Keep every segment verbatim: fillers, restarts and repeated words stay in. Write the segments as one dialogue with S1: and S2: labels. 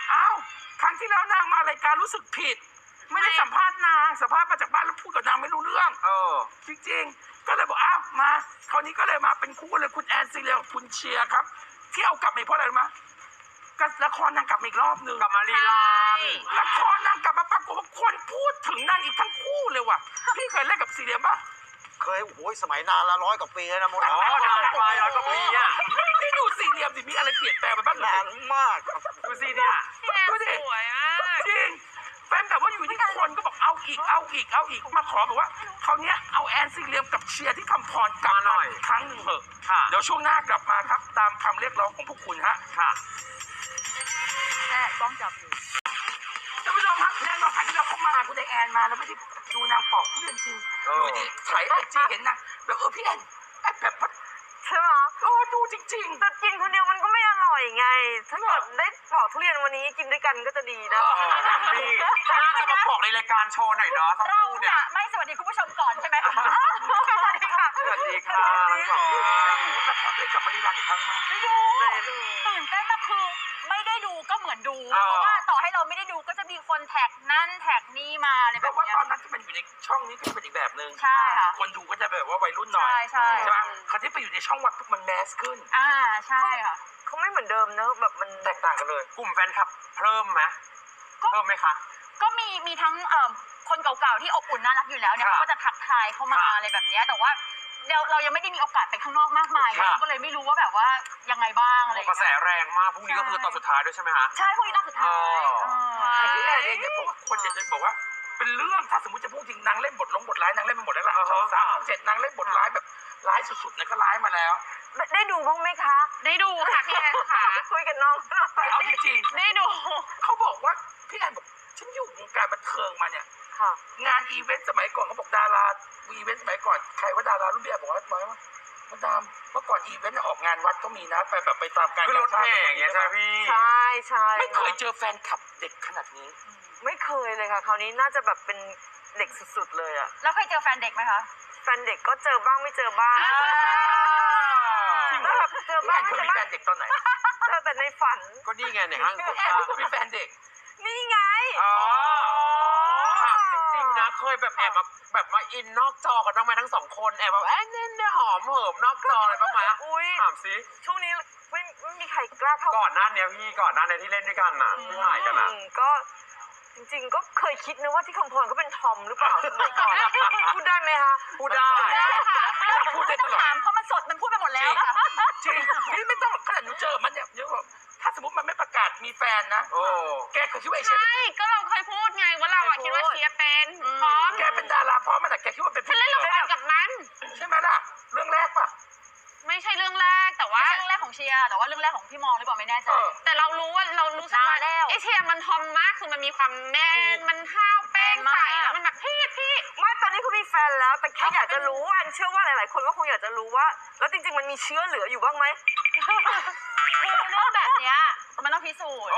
S1: อ้าวครั้งที่แล้วนางมารายการรู้สึกผิดไม่ได้สัมภาษณ์นางสัมภาษณ์มาจากบ้านแล้วพูดกับนางไม่รู้เรื่องเออจริงๆก็เลยบอกอ้าวมาคราวนี้ก็เลยมาเป็นคู่เลยคุณแอนซีเรียกับคุณเชียร์ครับที่เอากลับมาเพราะอะไรรู้ไหมก็ละครนางกลับมาอีกรอบนึง
S2: กลับมารีรัน
S1: ละครนางกลับมาปรากฏว่าคนพูดถึงนางอีกทั้งคู่เลยว่ะพี่เคยเล่นกับซีเรียป่ะ
S3: เคยโอ้ยสมัยนานละร้อยกว่าปีแล้วนะมด
S2: อ๋อเดี๋ยวไปร้อยกว่าปีอ่ะ
S1: นี่ดูซีเรียมดิมีอะไรเปลี่ยนแปลงไปบ้าง
S3: นานมาก
S2: ดูสิเนี่ย
S1: ดูดิ
S4: สวยมาก
S1: จริงแฟนแบบว่าอยู่ที่คนก็บอกเอาอีกเอาอีกเอาอีกมาขอบอกว่าเขาเนี้ยเอาแอนซีเรียมกับเชียร์ที่คำพรกลับมาหน่อยครั้งหนึ่งเถอะเดี๋ยวช่วงหน้ากลับมาครับตามคำเรียกร้องของพวกคุณฮะ
S2: ค่ะ
S4: แม่กล้องจับอยู่
S1: ท่านผู้ชมครับแน่นอนครั้งที่เราเข้ามาคุณไดแอนมาแล้วไม่ได้ดูนางปอกทุเรียนจริงอยู่ดีถ่ายไอจีเห็นนางแบบเออพี่แอนไอแบบ
S5: ใช่ไหม
S1: โอ้ดูจริง
S5: ๆแต่กินคนเดียวมันก็ไม่อร่อยไงถ้าเกิดได้ปอกทุเรียนวันนี้กินด้วยกันก็จะดีนะ
S2: ดีน่าจะมาบอกในรายการโชว์หน่อยเนาะทั้งคู่เนี่ย
S4: ไม่สวัสดีคุณผู้ชมก่อนใช่ไหมสวัสดีค่ะ
S2: สวัสดีค่ะ
S1: ได้ดูละครเลยกลับมารีรันอีกครั้งมา
S4: ได้ดูตื่นเต้นมากคือไม่ได้ดูก็เหมือนดูเพราะว่าต่อให้เราไม่ได้ดูก็จะมีคนแท็กนั่นแท็กนี่มาอะไรแบบนี้
S1: เพราะว่าตอนนั้นที่มันอยู่ในช่องนี้ก็เป็นอีกแบบนึง
S4: ใช่ค่ะ
S1: คนดูก็จะแบบว่าวัยรุ่นหน่อย
S4: ใช่
S1: ใช่ไหมคราวที่ไปอยู่ในช่องวัดปุ๊บมันแมสขึ้น
S4: อ่าใช่ค่ะ
S5: เขาไม่เหมือนเดิมเนอะแบบมัน
S1: แตกต่างกันเลย
S2: กลุ่มแฟนคลับเพิ่มไหมเพิ่มไหมคะ
S4: ก็มีมีทั้งเอ่อคนเก่าๆที่อบอุ่นน่ารักอยู่แล้วเนี่ยเขาก็จะทักทายเข้ามาอะไรแบบนี้แต่ว่าเราเรายังไม่ได้มีโอกาสไปข้างนอกมากมายก็เลยไม่รู้ว่าแบบว่ายังไงบ้างอะไร
S2: กระแสแรงมากพรุ่งนี้ก็คือตอนสุดท้ายด้วยใช่ไหมคะ
S4: ใช่พรุ่งนี้ตอนสุดท้าย
S1: พี่แอนเองเนี่ยเพราะว่าคนจะบอกว่าเป็นเรื่องถ้าสมมติจะพูดจริงนางเล่นบทลงบทร้ายนางเล่นมาหมดแล้วล่ะช่องสามช่องเจ็ดนางเล่นบทร้ายแบบร้ายสุดๆนะก็ร้ายมาแล้ว
S5: ได้ดูบ้างไหมคะ
S4: ได้ดูค่ะพี่แอนค่ะ
S5: คุยกับน้อง
S1: เอาจริง
S4: ๆได้ดู
S1: เขาบอกว่าพี่แอนบอกฉันอยู่วงการบันเทิงมาเนี่ยงานอีเวนต์สมัยก่อนเขาบอกดาราอีเวนต์สมัยก่อนใครว่าดารารุ่นพี่บอกว่าไว้ว่ามาดามเมื่อก่อนอีเวนต์ออกงานวัดก็มีนะไปแบบไปตามการ
S2: ขึ้นรถแห่อย่างเงี้ยใช่พี่
S5: ใช่ใช่
S1: ไม่เคยเจอแฟนคลับเด็กขนาดนี้
S5: ไม่เคยเลยค่ะคราวนี้น่าจะแบบเป็นเด็กสุดๆเลยอะ
S4: แล้วเคยเจอแฟนเด็กไหมคะ
S5: แฟนเด็กก็เจอบ้างไม่เจอบ้างแบบเจอบ้าง
S1: เคยมีแฟนเด็กตอนไหน
S5: เจอแต่ในฝัน
S2: ก็นี่ไงเนี่ยฮะ
S1: แอนก็มีแฟนเด็ก
S5: นี่ไง
S2: อ๋อจริงๆนะเคยแบบแอบมาแบบมาอินนอกจอกันบ้างไหมทั้งสองคนแอบแบบแอนเนี่ยหอมเหิมนอกจออะไรบ้างไหมถามซิ
S5: ช่วงนี้ไม่ไม่มีใครกล้าเข้า
S2: ก่อนหน้านี้พี่ก่อนหน้านี้ที่เล่นด้วยกันน่ะที่ถ่ายกันน่ะ
S5: ก็จริงๆก็เคยคิดนะว่าที่คำพรก็เป็นทอมหรือเปล่าสมัยก่อนพูดได้ไหมคะ
S2: พูดได้
S1: พูดได้ตลอด
S4: ถามเพราะมันสดมันพูดไปหมดแล้วค่ะ
S1: จริงพี่ไม่ต้องขนาดหนูเจอมันเนี่ยเยอะถ้าสมมติมันไม่ประกาศมีแฟนนะแกเคยคิดว่าเชียร์
S4: ใช่ก็เราเคยพูดไงว่าเราคิดว่าเชียร์เป็นพร้อม
S1: แกเป็นดาราพร้อมมันแต่แกคิดว่าเป็น
S4: ฉันเล่นละครกับมัน
S1: ใช่ไหมล่ะเรื่องแรกป่ะ
S4: ไม่ใช่เรื่องแรกแต่ว่าเรื่องแรกของเชียร์แต่ว่าเรื่องแรกของพี่มอหรือเปล่าไม่แน่ใจแต่เรารู้ว่าเรารู้สึกว่าไอเชียร์มันทอมมากคือมันมีความแมนมันข้าวแป้งใส่มันแบบพี่พี่
S5: ไม่ตอนนี้เขามีแฟนแล้วแต่แค่อยากจะรู้อันเชื่อว่าหลายๆคนก็คงอยากจะรู้ว่าแล้วจริงๆมันมีเชื้อเหลืออยู่บ้างไหม
S4: คือเรื่องแบบเนี้ยมันต้องพิสูจน์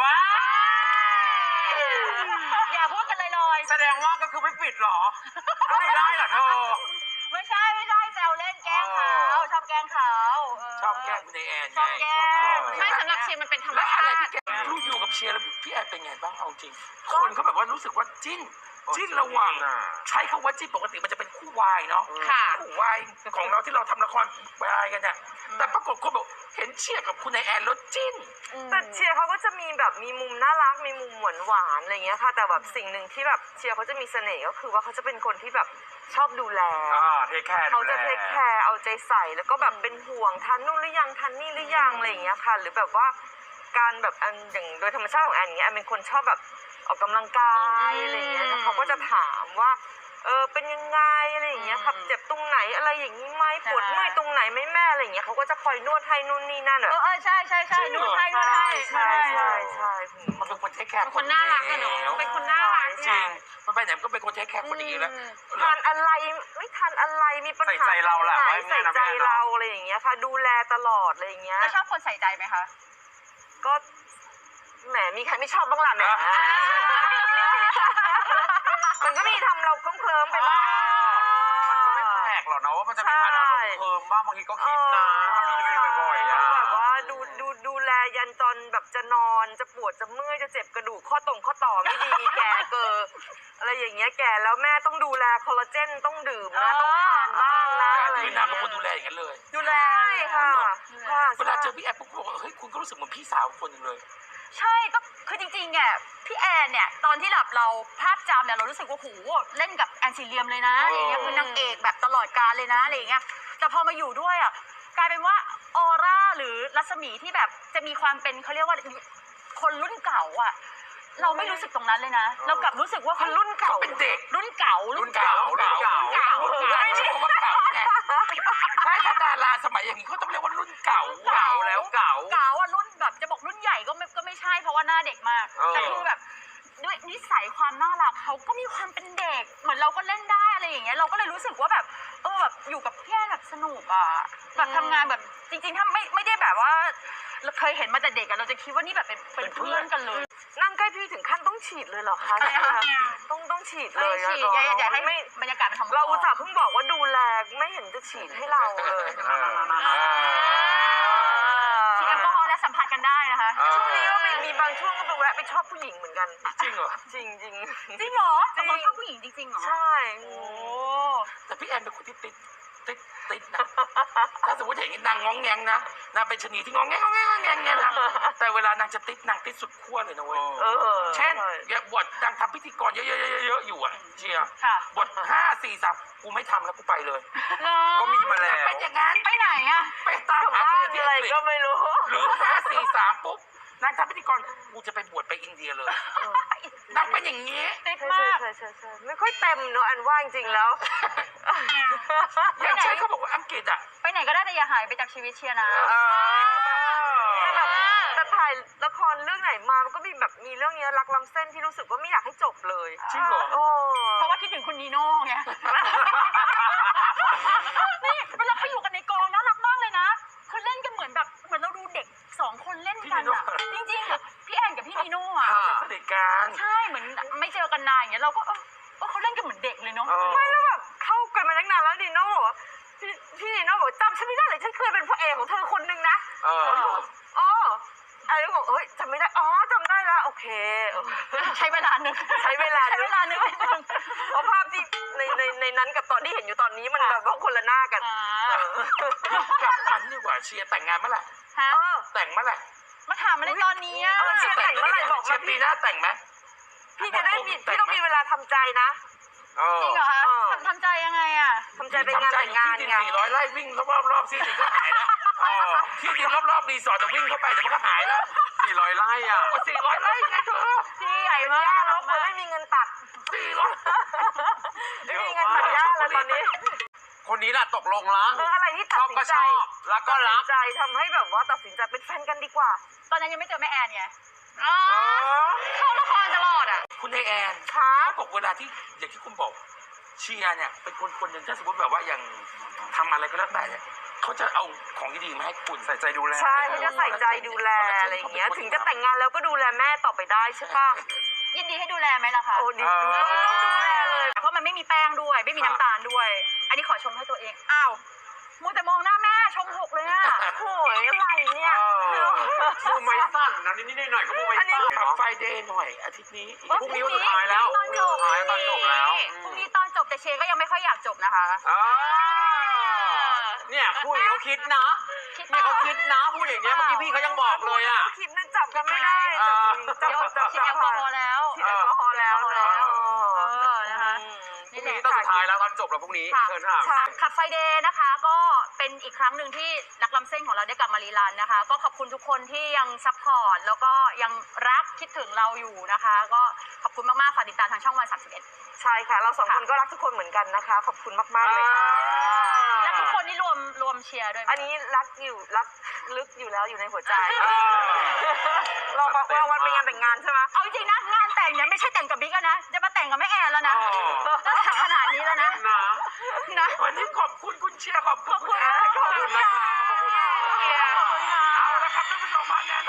S4: อย่าพูดกันลอย
S2: ๆแสดงว่าก็คือไม่ปิดหรอก็คือได้เหรอเธอ
S4: ไม่ใช่ไม่ใช่แซวเล่นแกล้งเขาชอบแกล้งเขา
S1: ชอบแกล้งคุณแอน
S4: ชอบแกล้งไม่สำหรับเชียร์มันเป็นธรรมชาติ
S1: ที่แกรู้อยู่กับเชียร์แล้วพี่แอนเป็นไงบ้างเอาจริงคนเขาแบบว่ารู้สึกว่าจิ้นจิ้นระหว่างใช้คำว่าจิ้นปกติมันจะเป็นคู่วายเนาะคู่วายของเราที่เราทำละครวายกันเนี่ยแต่ปรากฏคนบอกเห็นเชียร์กับคุณแอนแล้วจิ้น
S5: แต่เชียร์เขาก็จะมีแบบมีมุมน่ารักมีมุมหวานหวานอะไรเงี้ยค่ะแต่แบบสิ่งหนึ่งที่แบบเชียร์เขาจะมีเสน่ห์ก็คือว่าเขาจะเป็นคนที่แบบชอบดูแล
S2: เทคแคร์
S5: เขาจะเทคแคร์เอาใจใส่แล้วก็แบบเป็นห่วงทันนู่นหรือยังทันนี่หรือยังอะไรอย่างเงี้ยค่ะหรือแบบว่าการแบบอันอย่างโดยธรรมชาติของแอนอย่างเงี้ยแอนเป็นคนชอบแบบออกกำลังกายอะไรอย่างเงี้ยเขาก็จะถามว่าเออเป็นยังไงอะไรอย่างเงี้ยครับเจ็บตรงไหนอะไรอย่างนี้ไหมปวดเมื่อยตรงไหนไหมแม่อะไรอย่างเงี้ยเขาก็จะคอยนวดให้นู่นนี่นั่น
S4: เออเออใช่ใช่ใช่นวดให้นวดให้
S5: ใช่ใช่ใช่
S1: มันเป็นคนเทคแคร์
S4: คนน่ารักอะเนาะเป็นคนน่ารัก
S1: จริงมันไปไหนก็เป็นคนเทคแคร์คนดีแล้ว
S5: ทานอะไรไม่ทานอะไรมีปัญหา
S2: ใส่ใจเราแหละ
S5: ใส่ใจเราอะไรอย่างเงี้ยค่ะดูแลตลอดอะไรอย่างเงี้ย
S4: แล้วชอบคนใส่ใจไหมคะ
S5: ก็แหมมีใครไม่ชอบบ้างล่ะเนี่ยมันก็มีทำเราเคลิ้มไปบ้าง
S2: มันก็ไม่แปลกหรอกนะว่ามันจะมีการอารมณ์เคลิ้มบ้างบางทีก็คิดนะทำนี้บ่อยๆอ่ะ
S5: แบบว่าดูดูดูแลยันตอนแบบจะนอนจะปวดจะเมื่อยจะเจ็บกระดูกข้อตรงข้อต่อไม่ดี แก่เกินอะไรอย่างเงี้ยแก่แล้วแม่ต้องดูแลคอลลาเจนต้องดื่มนะต้องทานบ้างนะอะไรอ
S1: คือนาง
S5: ย่าง
S1: เป็น
S5: เงี้
S1: คนดูแลอย่างนั้นเลย
S5: ยดูแลค่ะค่ะ
S1: เวลาเจอพี่แอฟปุ๊บบอกว่าเฮ้ยคุณก็รู้สึกเหมือนพี่สาวคนหนึ่งเลย
S4: ใช่ก็คือจริงๆเนี่ยพี่แอนเนี่ยตอนที่แบบเราภาพจำเนี่ยเรารู้สึกว่าโหเล่นกับแอนซีเรียมเลยนะอะไรอย่างเงี้ยคือนางเอกแบบตลอดกาลเลยนะอะไรอย่างเงี้ยแต่พอมาอยู่ด้วยอ่ะกลายเป็นว่าออร่าหรือรัศมีที่แบบจะมีความเป็นเขาเรียกว่าคนรุ่นเก่าอ่ะเราไม่รู้สึกตรงนั้นเลยนะเรากลับรู้สึกว่าคนรุ่นเก่า
S1: เป็นเด็ก
S4: รุ่นเก่า
S2: รุ่นเก่ารุ่นเก่า
S4: รุ่นเก่า
S1: ไม่ใช่คำว่าเก่าไงใช่ถ้าดาราสมัยอย่างนี้เขาต้องเรียกว่ารุ่นเก่า
S2: เก่าแล้วเก่า
S4: เก่าอ่ะรุ่นแบบจะบอกรุ่นใหญ่ก็ไม่ก็ไม่ใช่เพราะว่าหน้าเด็กมาก
S2: เออ
S4: แต่คือแบบด้วยนิสัยความน่ารักเขาก็มีความเป็นเด็ก เหมือนเราก็เล่นได้อะไรอย่างเงี้ยเราก็เลยรู้สึกว่าแบบเออแบบอยู่กับพี่แอนแบบสนุกอ่ะแบบทำงานแบบจริงๆถ้าไม่ไม่ได้แบบว่าเราเคยเห็นมาแต่เด็กอะเราจะคิดว่านี่แบบเป็นเป็นเพื่อนกันเลย
S5: นั่งใกล้พี่ถึงขั้นต้องฉีดเลยเหรอคะ
S4: ใช่ค่ะ
S5: ต้องต้องฉีดเล
S4: เลย
S5: ย
S4: ฉีด
S5: อะ
S4: อย่าอย่าให้
S5: ไม่
S4: บรรยากาศมันทำ
S5: เราอุตส่าห์เพิ่งบอกว่าดูแลไม่เห็นจะฉีดให้เราเลย
S4: ฉีดแอลกอฮอล์และสัมผัสกันได้นะคะ
S5: ช่วงนี้ก็มีมีบางช่วงก็ไปแวะไปชอบผู้หญิงเหมือนกัน
S1: จริงเหรอ
S5: จริงจริง
S4: จริงเหรอตกลงชอบผู้หญิงจริงๆเหรอ
S5: ใช่
S4: โอ้
S1: แต่พี่แอนเป็นคนที่ติดติดติดนะถ้าสมมติเห็นนางง้องแงงนะนางเป็นชะนีที่ง้องแงงง้องแงงง้องแงงเนี่ยนะแต่เวลานางจะติดนางติดสุดขั้วเลยนะเว้ย
S5: เออ
S1: เช่นอย่างบทนางทำพิธีกรเยอะๆๆๆอยู่อ่ะเชียร์
S4: ค่ะ
S1: บทห้าสี่สามกูไม่ทำแล้วกูไปเลย
S2: ก็มีมาแล้ว
S1: เป็นอย่างนั้น
S4: ไปไหนอะ
S1: ไปตามหา
S5: บ้า
S1: เพล
S5: น
S1: งที่
S5: อะไร
S1: อังกฤษ
S5: ก็ไม่รู้
S1: หรือห้าสี่สามปุ๊บนางทำพิธีกรกูจะไปบวชไปอินเดียเลยนางเป็นอย่างนี้
S4: ติด
S5: ใช่
S4: มาก
S5: ใช่ใช่ใช่ไม่ค่อยเต็มเนอะอันว่าจริงๆแล้ว
S1: อย่างเช่นเขาบอกว่าอังกฤษอ่ะ
S4: ไปไหนก็ได้แต่อย่าหายไปจากชีวิตเชียร์นะ
S5: แต่แบบแต่ถ่ายละครเรื่องไหนมามันก็มีแบบมีเรื่องนี้รักล้ำเส้นที่รู้สึกว่าไม่อยากให้จบเลย
S1: จริงเหรอ
S5: โอ้
S4: เพราะว่าคิดถึงคุณนีโน่ไง นี่เวลาไปอยู่กันในกองน่ารักมากเลยนะ คือเล่นกันเหมือนแบบเหมือนเราดูเด็กสองคนเล่นกันอะจริงๆอะพี่แอนกับพี่นีโน่อะ
S1: สนิทกัน
S4: ใช่เหมือนไม่เจอกันนานอย่างเงี้ยเราก็เออเออเขาเล่นกันเหมือนเด็กเลยเนาะ
S5: ไม่แล้วแบบเข้ากันมาตั้งนานแล้วนีโน่บอกว่าพี่พี่นีโน่บอกจำฉันไม่ได้เลยฉันเคยเป็นพระเอกของเธอคนนึงนะ
S2: เออ
S5: อ๋ออะไรก็บอกเฮ้ยจำไม่ได้อ๋อจำได้แล้วโอเค
S4: ใช้เวลาหนึ่ง
S5: ใช้เวลา
S4: ใช้เวลาหนึ่งนิดนึง
S5: เพราะภาพที่ในในในนั้นกับตอนที่เห็นอยู่ตอนนี้มันแบบว่าคนละหน้ากัน
S4: อ่า
S1: กลับมันดีกว่าเชียร์แต่งงานเมื่อไหร่
S4: ฮะ
S5: เออ
S1: แต่งเมื่อไหร่
S4: มาถามอะไรตอนนี้อะ
S5: เออเชียร์แต่งเมื่อไหร่บอกมา
S1: เชียร์ปีหน้าแต่งไหม
S5: พี่จะได้มีพี่ต้องมีเวลาทำใจนะ
S2: เออ
S4: จริงเหรอคะ
S5: เออ
S4: ทำทำใจยังไงอะ
S5: ทำใจเป็นงานแต่งงาน
S1: ที่ดิน
S5: ไง
S1: สี่ร้อยไร่วิ่งรอบรอบๆที่ดินก็หายแล้วเออที่ดินรอบรอบๆรีสอร์ทจะวิ่งเข้าไปเดี๋ยวมันก็หายแล้ว
S2: สี่ร้อยไร่อ่ะ
S1: สี่ร้อยไร่ไงเธอ
S4: ที่ใหญ่มาก
S5: ย่าลบเลยไม่มีเงินตัด
S1: สี่ร้อย
S5: ไม่มีเงินตัดย่าเลยตอนนี้
S2: คนนี้แหละตกลงละ
S5: เอออะไรที่
S2: ช
S5: ตัด
S2: อบ
S5: สิ
S2: ก็
S5: นใจ
S2: ชอบแล้วก็รั
S5: ตัด
S2: ก
S5: สินใจทำให้แบบว่าตัดสินใจเป็นแฟนกันดีกว่า
S4: ตอนนั้นยังไม่เจอแม่แอนไงอ๋อ
S2: เออ
S4: เข้าละครตลอดอะ
S1: คุณไอแอน
S5: ค่ะ
S1: เขาบอกเวลาที่อย่างที่คุณบอกเชียร์เนี่ยเป็นคนคนหนึ่งถ้าสมมติแบบว่าอย่างทำอะไรก็แล้วแต่เนี่ยเขาจะเอาของดีๆมาให้คุณ
S2: ใส่ใจดูแล
S5: ใช่เขาจะใส่ใจดูแลอะไรอย่างเงี้ยถึงจะแต่งงานแล้วก็ดูแลแม่ต่อไปได้ใช่ป่ะ
S4: ยินดีให้ดูแลไหมล่ะคะ
S5: โอ้ดีดูต้องต้องดูแลเลย
S4: เพราะมันไม่มีแป้งด้วย ไม่มีน้ำตาลด้วย อันนี้ขอชมให้ตัวเอง อ้าวมัวแต่มองหน้าแม่ชมหกเลยอะ
S5: โอ้ยอะไรเนี่ย
S2: เออมือไม้สั่นนะนิดๆหน่อยๆก็มือไม้สั่น
S1: ขับ
S2: เนาะ
S1: ไฟเดย์หน่อยอาทิตย์นี้
S2: พรุ่งนี้วันสุดท้ายแล้ว
S4: ตอนจบ
S2: พรุ่งนี้วันสุดท้ายตอนจบแล้ว
S4: พรุ่งนี้ตอนจบแต่เชก็ยังไม่ค่อยอยากจบนะคะ
S2: อ่าเนี่ยพูดอย่างนี้เขาคิดนะ
S4: คิด
S2: นี่เขาคิดนะพูดอย่างเงี้ยเมื่อกี้พี่เขายังบอกเลยอ่ะ
S5: คิดนั่นจับกันไม่ได้
S2: เออ
S5: จับ
S4: เดี๋ยว
S5: จับ
S4: ฉีด
S5: จับ
S4: แอลกอฮอล์แล้ว
S5: ฉีดแอลกอฮอล์แล้วนะ
S4: เออนะคะ
S2: พรุ่งนี้ตอนสุดท้ายแล้วตอนจบแล้วพรุ่งนี้
S4: ค่ะ
S2: เชิญค่ะ
S4: ค่ะขับไฟเดย์นะคะก็เป็นอีกครั้งหนึ่งที่รักล้ำเส้นของเราได้กลับมารีรันนะคะ ก็ขอบคุณทุกคนที่ยังซัพพอร์ตแล้วก็ยังรักคิดถึงเราอยู่นะคะ ก็ขอบคุณมากๆฝากติดตามทางช่องวันสามสิบเอ็ด
S5: ใช่ค่ะ เราสองคนก็รักทุกคนเหมือนกันนะคะ ขอบคุณมากๆเลยค่ะ
S4: และทุกคนนี่รวมรวมเชียร์ด้วยไหม
S5: อันนี้รักอยู่รักลึกอยู่แล้วอยู่ในหัวใจ
S2: เออ
S5: เราบอกว่าวันเป็นงานแต่งงานใช่ไหม
S4: เอาจริงๆนะงานแต่งเนี่ยไม่ใช่แต่งกับบิ๊กแล้วนะจะมาแต่งกับแม่แอนแล้วนะ
S2: อ๋อ
S4: จะขนาดนี้แล้วนะ
S2: นะ
S4: นะ
S1: วันนี้ขอบคุณคุณเชียร์ขอบคุณ
S4: ขอบคุณ
S1: แอน
S4: ขอบคุณ
S2: ขอบคุณนะคะขอบคุณค่ะ
S4: ขอบคุณค่ะ
S1: เอาละครับท่านผู้ชมมาแน่นอน